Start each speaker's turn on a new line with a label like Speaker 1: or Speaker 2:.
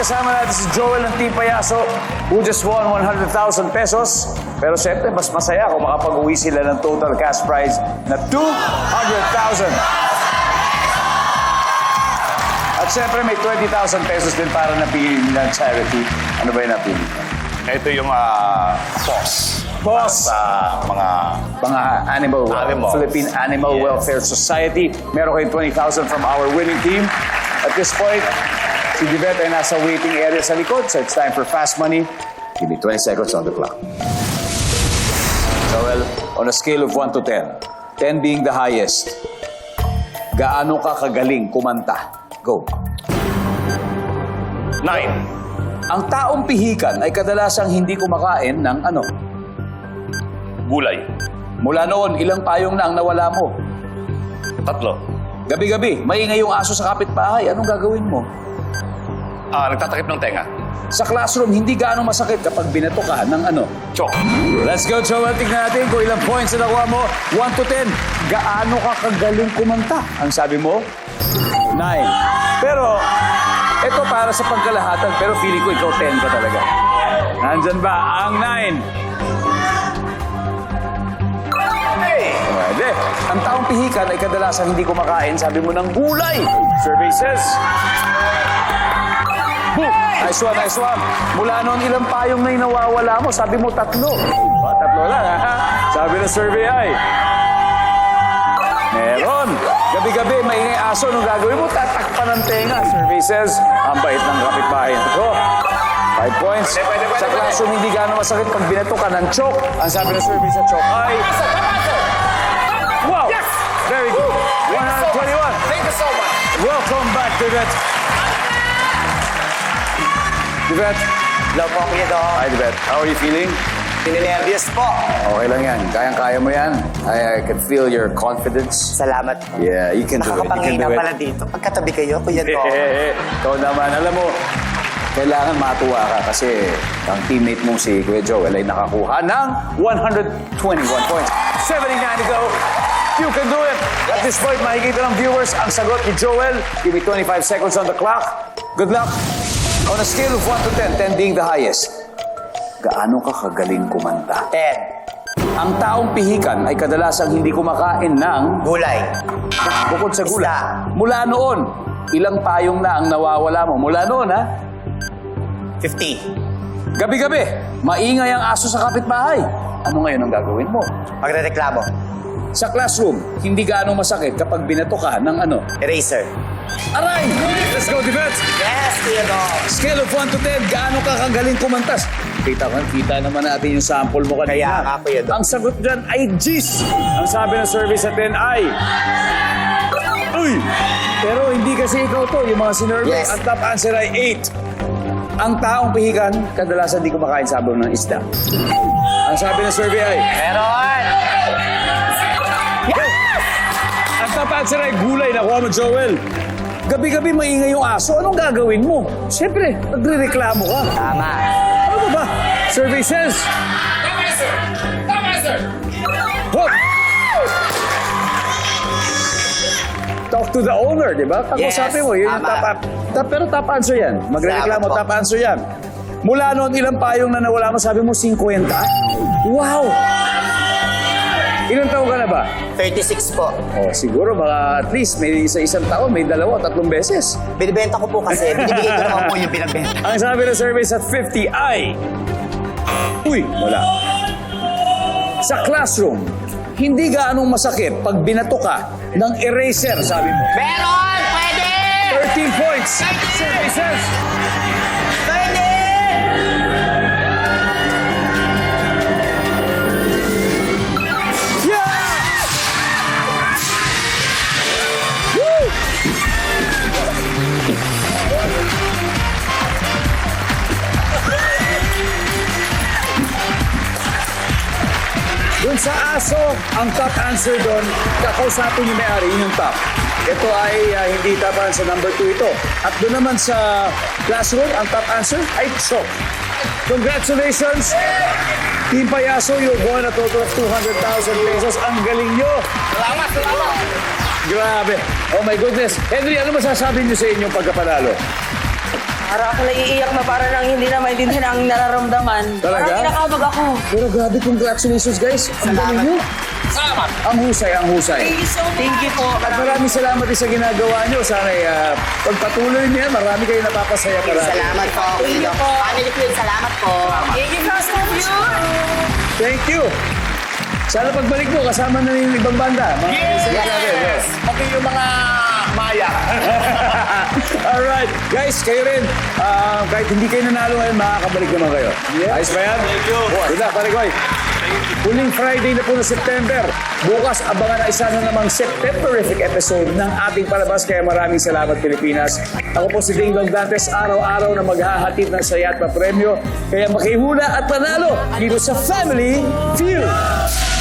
Speaker 1: kasama natin si Joel ng Team Payaso who just won 100,000 pesos. Pero syempre, mas masaya kung makapag-uwi sila ng total cash prize na 200,000. At syempre, may 20,000 pesos din para napili ng charity. Ano ba yung napili?
Speaker 2: Ito yung boss.
Speaker 1: Boss!
Speaker 2: Sa
Speaker 1: Mga Animal. Philippine Animal
Speaker 2: Yes.
Speaker 1: Welfare Society. Meron kayong 20,000 from our winning team. At this point, si Divette ay nasa waiting area sa likod, so it's time for fast money. Give me 20 seconds on the clock. Joel, on a scale of 1 to 10, 10 being the highest, gaano ka kagaling kumanta? Go.
Speaker 2: 9.
Speaker 1: Ang taong pihikan ay kadalasang hindi kumakain ng ano?
Speaker 2: Gulay.
Speaker 1: Mula noon, ilang payong na ang nawala mo?
Speaker 2: 3.
Speaker 1: Gabi-gabi, maingay yung aso sa kapitbahay. Anong gagawin mo?
Speaker 2: Nagtatakip ng tenga.
Speaker 1: Sa classroom, hindi gaano masakit kapag binato ka ng ano?
Speaker 2: Chok.
Speaker 1: Let's go, Joel. Tignan natin kung ilang points na nakuha mo. 1 to 10. Gaano ka kagaling kumanta? Ang sabi mo? 9. Pero, ito para sa pagkalahatan. Pero feeling ko ikaw 10 ka talaga. Nandyan ba ang 9? Pwede. Ang taong pihikan ay kadalasang hindi kumakain, sabi mo, ng gulay. Survey says. Boom! Nice one, nice one. Mula noon, ilang payong na yung nawawala mo? Sabi mo, 3. 3 lang, ha? Sabi ng survey ay. Meron. Gabi-gabi, maingay aso. Anong gagawin mo? Tatakpan ng tenga. Survey says, ang bait ng kapitbahay. Ito. 5 points. Sa classroom, hindi gano'ng masakit pag binato ka ng chok. Ang sabi ng survey sa chok ay... Wow!
Speaker 3: Yes!
Speaker 1: Very good. 121.
Speaker 3: Thank you so much.
Speaker 1: Welcome back, Divette. Divette.
Speaker 3: Hello po, Kuya Dong.
Speaker 1: Hi, Divette. How are you feeling?
Speaker 3: Pininervyos po.
Speaker 1: Okay lang yan. Kayang-kaya mo yan. I can feel your confidence.
Speaker 3: Salamat po.
Speaker 1: Yeah, you can do it. You can
Speaker 3: Nakakapangina
Speaker 1: do it.
Speaker 3: pala dito. Pagkatabi kayo, Kuya Dong.
Speaker 1: Ikaw naman. Alam mo, kailangan matuwa ka kasi ang teammate mong si Kuya Joel ay nakakuha ng 121 points. 79 to go. You can do it. At this point, makikita ng viewers ang sagot ni Joel. Give me 25 seconds on the clock. Good luck. On a scale of 1 to 10, 10 being the highest, gaano ka kagaling kumanta?
Speaker 3: 10.
Speaker 1: Ang taong pihikan ay kadalasang hindi kumakain ng...
Speaker 3: Gulay.
Speaker 1: Bukod sa gula.
Speaker 3: Isda.
Speaker 1: Mula noon, ilang payong na ang nawawala mo? Mula noon, ha?
Speaker 3: 50.
Speaker 1: Gabi-gabi, maingay ang aso sa kapitbahay. Ano ngayon ang gagawin mo?
Speaker 3: Magrereklamo.
Speaker 1: Sa classroom, hindi gaano masakit kapag binato ka ng ano?
Speaker 3: Eraser.
Speaker 1: Aray! Let's go, Divette!
Speaker 3: Yes, Kuya Dong.
Speaker 1: Scale of 1 to 10, gaano ka kagaling kumantas? Kita naman natin yung sample mo kanina.
Speaker 3: Kaya nga, Kuya Dong.
Speaker 1: Ang sagot dyan ay G's. Ang sabi ng survey sa 10 ay... Uy! Pero hindi kasi ikaw to, yung mga sinurvey.
Speaker 3: Yes.
Speaker 1: Ang top answer ay 8. Ang taong pihikan, kadalasan di kumakain sabaw ng isda. Ang sabi ng survey ay...
Speaker 3: Meron.
Speaker 1: Ang top answer ay gulay. Nakuha mo, Joel. Gabi-gabi maingay yung aso. Anong gagawin mo? Siyempre, nagre-reklamo ka.
Speaker 3: Tama.
Speaker 1: Ano ba? Survey says...
Speaker 3: Tama, sir. Tama, sir.
Speaker 1: Hop! Talk to the owner, di ba? Pag-usapin
Speaker 3: Yes,
Speaker 1: mo, yun yung
Speaker 3: tama.
Speaker 1: pero top answer yan. Magre-reklamo,
Speaker 3: Salamat po.
Speaker 1: top answer yan. Mula noon, ilang payong na nawala mo? Sabi mo, 50? Wow! Ilang taon ka na ba?
Speaker 3: 36 po.
Speaker 1: Oh, siguro mga at least may isang taon, may 2, 3 beses.
Speaker 3: Binibenta ko po kasi. Binibigay ko naman po yung pinagbenta.
Speaker 1: Ang sabi ng survey sa 50 ay... Uy, wala. Sa classroom, hindi gaanong masakit pag binato ka ng eraser, sabi mo.
Speaker 3: Meron! Pwede!
Speaker 1: 13 points. Survey says...
Speaker 3: Pwede!
Speaker 1: Dun sa aso, ang top answer doon, kakausapin yung may-ari, yun yung top. Ito ay hindi top answer, number 2 ito. At doon naman sa classroom, ang top answer ay chok. Congratulations! Team Payaso, you won a total of 200,000 pesos. Ang galing nyo!
Speaker 3: Salamat, salamat!
Speaker 1: Grabe! Oh my goodness! Henry, ano masasabi niyo sa inyong pagkapanalo?
Speaker 4: Para ako naiiyak na para nang hindi na maintindihan ang nararamdaman.
Speaker 1: Talaga?
Speaker 4: Parang kinakabag ako.
Speaker 1: Pero grabe, congratulations guys. Ang galing nyo.
Speaker 2: Salamat!
Speaker 1: Ang husay, ang husay.
Speaker 4: Thank you so much. Thank you po.
Speaker 1: At maraming salamat din sa ginagawa nyo. Sana pagpatuloy niya, marami kayo napapasaya para.
Speaker 3: Salamat po.
Speaker 4: Thank you po.
Speaker 3: Family ko yun, salamat po.
Speaker 4: Thank you so much.
Speaker 1: Thank you. Sana pagbalik mo, kasama na yung ibang banda. Mga kaibigan natin,
Speaker 2: Yes! Pati yung mga maya.
Speaker 1: Alright. Guys, kayo rin. Kahit hindi kayo nanalo ngayon, makakabalik naman kayo. Ayos ba yan?
Speaker 2: Thank you.
Speaker 1: Good luck, pare Koy. Huling Friday na po ng September. Bukas, abangan na isa na namang Septemberific episode ng ating palabas. Kaya maraming salamat, Pilipinas. Ako po si Ding Dong Dantes, araw-araw na maghahatid ng saya at premyo. Kaya makihula at panalo dito sa Family Feud.